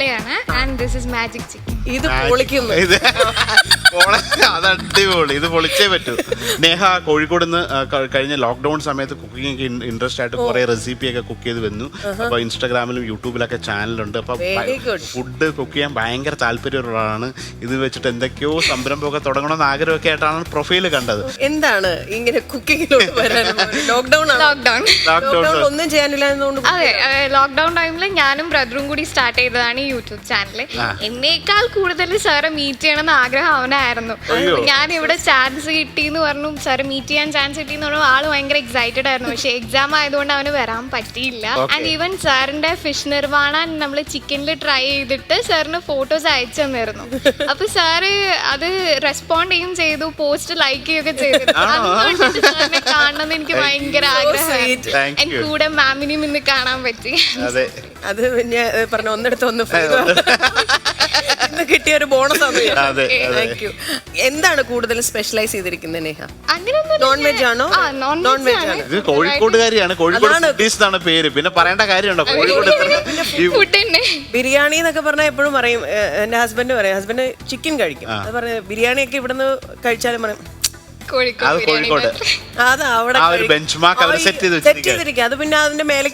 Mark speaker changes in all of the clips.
Speaker 1: പോളയാണ് and this is magic chicken.
Speaker 2: ഇത് പൊളിക്കുന്നു.
Speaker 3: അത് അടിപൊളി, ഇത് പൊളിച്ചേ പറ്റൂ. നേഹ കോഴിക്കോട് നിന്ന് കഴിഞ്ഞ ലോക്ക്ഡൌൺ സമയത്ത് കുക്കിംഗ് ഇൻട്രസ്റ്റ് ആയിട്ട് കുറെ റെസിപ്പിയൊക്കെ കുക്ക് ചെയ്ത് വന്നു. അപ്പൊ ഇൻസ്റ്റാഗ്രാമിലും യൂട്യൂബിലൊക്കെ ചാനലുണ്ട്. അപ്പൊ ഫുഡ് കുക്ക് ചെയ്യാൻ ഭയങ്കര താല്പര്യമുള്ളതാണ്. ഇത് വെച്ചിട്ട് എന്തൊക്കെയോ സംരംഭമൊക്കെ തുടങ്ങണമെന്ന് ആഗ്രഹമൊക്കെ ആയിട്ടാണ് പ്രൊഫൈല് കണ്ടത്.
Speaker 2: എന്താണ് ഇങ്ങനെ കുക്കിങ്ങിലോട്ട് വരാൻ? ലോക്ക്ഡൌൺ ഒന്നും ചെയ്യാനില്ല എന്നതുകൊണ്ട്.
Speaker 1: അതെ, ലോക്ക്ഡൌൺ ടൈമിൽ ഞാനും ബ്രദറും കൂടി സ്റ്റാർട്ട് ചെയ്തതാണ് ഈ യൂട്യൂബ് ചാനൽ. എന്നേക്കാൾ കൂടുതൽ സാറെ മീറ്റ് ചെയ്യണമെന്ന് ആഗ്രഹം അവനായിരുന്നു. ഞാൻ ഇവിടെ ചാൻസ് കിട്ടിയെന്ന് പറഞ്ഞു, സാറ് മീറ്റ് ചെയ്യാൻ ചാൻസ് കിട്ടിയെന്ന് പറഞ്ഞു. ആള് ഭയങ്കര എക്സൈറ്റഡ് ആയിരുന്നു. പക്ഷെ എക്സാം ആയതുകൊണ്ട് അവന് വരാൻ പറ്റിയില്ല. ആൻഡ് ഈവൻ സാറിന്റെ ഫിഷ് നിർവാണ നമ്മൾ ചിക്കനിൽ ട്രൈ ചെയ്തിട്ട് സാറിന് ഫോട്ടോസ് അയച്ചു തന്നിരുന്നു. അപ്പൊ സാറ് അത് റെസ്പോണ്ട് ചെയ്യും ചെയ്തു, പോസ്റ്റ് ലൈക്ക് ചെയ്യുകയൊക്കെ ചെയ്തു. സാറിനെ കാണണമെന്ന് എനിക്ക് ഭയങ്കര ആഗ്രഹമായിരുന്നു. എനിക്ക് കൂടെ മാമിനെയും ഇന്ന് കാണാൻ പറ്റി.
Speaker 2: അത് ഞാൻ പറഞ്ഞ ഒന്നെടുത്ത് ഒന്ന് കിട്ടിയ ഒരു ബോണസ് ആണ്. Thank you. എന്താണ് കൂടുതൽ സ്പെഷ്യലൈസ് ചെയ്തിരിക്കുന്നത് നേഹ? നോൺ വെജ് ആണോ? നോൺ വെജ് ആണ്.
Speaker 3: ഇത് കോഴിക്കോടുകാരിയാണ്, കോഴിക്കോട് പേര്. പിന്നെ പറയേണ്ട കാര്യമുണ്ടോ? കോഴിക്കോട്
Speaker 2: ബിരിയാണി എന്നൊക്കെ പറഞ്ഞാൽ എപ്പോഴും പറയും. എന്റെ ഹസ്ബൻഡ് പറയും, ഹസ്ബൻഡ് ചിക്കൻ കഴിക്കും. അത് പറഞ്ഞ ബിരിയാണിയൊക്കെ ഇവിടുന്ന് കഴിച്ചാലും പറയും
Speaker 3: കോഴിക്കോട്
Speaker 2: അത് അവിടെ സെറ്റ് ചെയ്തിരിക്കുക. അത് പിന്നെ അതിന്റെ മേലേക്ക്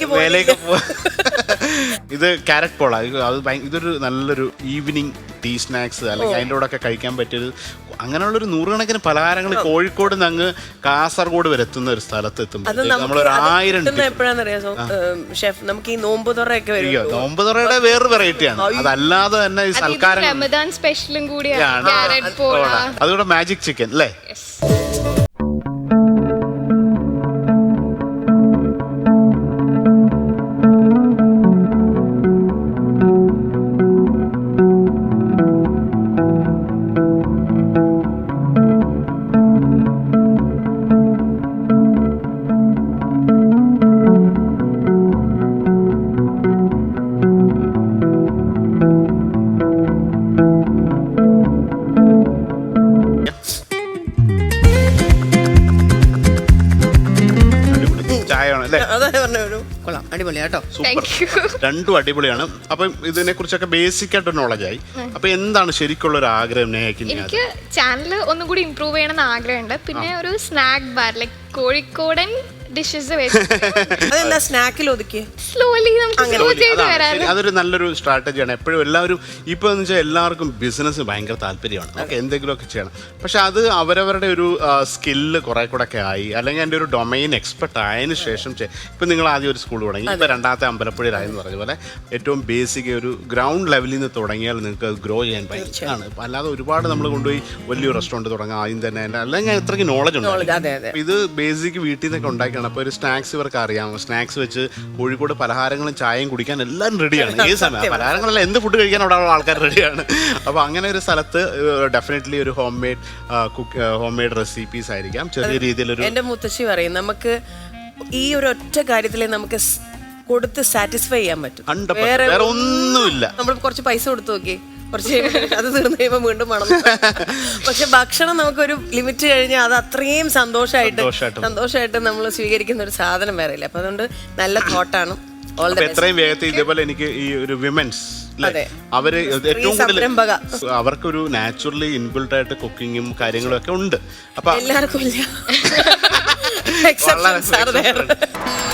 Speaker 3: ഇത് ക്യാരറ്റ് പോള. ഇതൊരു നല്ലൊരു ഈവനിങ് ടീ സ്നാക്സ് അല്ലെങ്കിൽ അതിൻ്റെ കൂടെ ഒക്കെ കഴിക്കാൻ പറ്റിയൊരു അങ്ങനെയുള്ളൊരു നൂറുകണക്കിന് പലഹാരങ്ങൾ കോഴിക്കോട് നിന്ന് അങ്ങ് കാസർഗോഡ് വരെ എത്തുന്ന ഒരു സ്ഥലത്ത് എത്തുമ്പോൾ നമ്മളൊരു 1000
Speaker 2: എപ്പോഴാണെന്നറിയാം ഷെഫ്, നമുക്ക് ഈ നോമ്പ് തുറയൊക്കെ വരും.
Speaker 3: നോമ്പ് തുറയുടെ വേറൊരു വെറൈറ്റിയാണ്. അതല്ലാതെ തന്നെ ഈ സൽക്കാരം
Speaker 1: സ്പെഷ്യലും കൂടിയാണ്
Speaker 3: അതുകൂടെ മാജിക് ചിക്കൻ അല്ലേ? രണ്ടും അടിപൊളിയാണ്. അപ്പം ഇതിനെ കുറിച്ചൊക്കെ ബേസിക് ആയിട്ട് നോളജായി. അപ്പൊ എന്താണ് ശരിക്കുള്ള ഒരു ആഗ്രഹം നേഹയ്ക്ക്?
Speaker 1: എനിക്ക് ചാനൽ ഒന്നും കൂടി ഇംപ്രൂവ് ചെയ്യണമെന്ന് ആഗ്രഹമുണ്ട്. പിന്നെ ഒരു സ്നാക്ക് ബാർ ലൈക് കോഴിക്കോടൻ ഡിഷസ്
Speaker 2: അതെന്താ സ്നാക്കിൽ ഒതുക്കി
Speaker 1: സ്ലോലി
Speaker 3: അതൊരു നല്ലൊരു സ്ട്രാറ്റജിയാണ്. എപ്പോഴും എല്ലാവരും ഇപ്പൊ എന്ന് വെച്ചാൽ എല്ലാവർക്കും ബിസിനസ് ഭയങ്കര താല്പര്യമാണ്. നമുക്ക് എന്തെങ്കിലുമൊക്കെ ചെയ്യണം. പക്ഷെ അത് അവരവരുടെ ഒരു സ്കില്ല് കുറെ കൂടെ ഒക്കെ ആയി, അല്ലെങ്കിൽ എൻ്റെ ഒരു ഡൊമൈൻ എക്സ്പെർട്ട് ആയതിനു ശേഷം ഇപ്പൊ നിങ്ങൾ ആദ്യം ഒരു സ്കൂൾ തുടങ്ങി, ഇപ്പൊ രണ്ടാമത്തെ അമ്പലപ്പുഴയിലായെന്ന് പറഞ്ഞ പോലെ ഏറ്റവും ബേസിക് ഒരു ഗ്രൗണ്ട് ലെവലിൽ നിന്ന് തുടങ്ങിയാൽ നിങ്ങൾക്ക് ഗ്രോ ചെയ്യാൻ പറ്റുന്നതാണ്. അല്ലാതെ ഒരുപാട് നമ്മൾ കൊണ്ടുപോയി വലിയൊരു റെസ്റ്റോറൻറ്റ് തുടങ്ങാം ആദ്യം തന്നെ, അല്ലെങ്കിൽ അത്രയ്ക്ക് നോളജ് ഉണ്ട്. ഇത് ബേസിക് വീട്ടിൽ നിന്നൊക്കെ ഉണ്ടാക്കിയാണ്. അപ്പോൾ ഒരു സ്നാക്സ് ഇവർക്ക് അറിയാം. സ്നാക്സ് വെച്ച് കോഴിക്കോട് പലഹാരങ്ങളും ചായയും കുടിക്കാൻ എല്ലാവരും റെഡിയാണ്. ഏത് സമയം പലഹാരങ്ങളല്ല, എന്ത് ഫുഡ് കഴിക്കാൻ അവിടെ ആൾക്കാർ റെഡിയാണ്. അപ്പോൾ അങ്ങനെ ഒരു സ്ഥലത്ത് ഡെഫിനറ്റ്ലി ഒരു ഹോം മെയ്ഡ് റെസിപ്പീസ് ആയിരിക്കാം. ചെറിയ രീതിയിലൊരു
Speaker 2: എൻ്റെ മുത്തശ്ശി പറയും, നമുക്ക് ഈ ഒരു ഒറ്റ കാര്യത്തിൽ നമുക്ക് കൊടുത്ത് സാറ്റിസ്ഫൈ ചെയ്യാൻ പറ്റും.
Speaker 3: വേറെ ഒന്നുമില്ല.
Speaker 2: നമ്മൾ കുറച്ച് പൈസ കൊടുത്തു നോക്കി, കുറച്ച് അത് തീർന്നു കഴിയുമ്പോൾ വീണ്ടും വേണം. പക്ഷെ ഭക്ഷണം നമുക്കൊരു ലിമിറ്റ് കഴിഞ്ഞാൽ അത് അത്രയും സന്തോഷമായിട്ട് നമ്മൾ സ്വീകരിക്കുന്ന ഒരു സാധനം വേറെ ഇല്ല. അപ്പൊ അതുകൊണ്ട് നല്ല തോട്ടാണ്.
Speaker 3: എത്രയും വേഗത്തിൽ ഇതേപോലെ എനിക്ക് ഈ ഒരു വിമൻസ് അവര് ഏറ്റവും കൂടുതൽ അവർക്കൊരു നാച്ചുറലി ഇൻബിൽഡ് ആയിട്ട് കുക്കിങ്ങും കാര്യങ്ങളും ഒക്കെ ഉണ്ട്. അപ്പൊ
Speaker 2: എല്ലാവർക്കും ഇല്ല.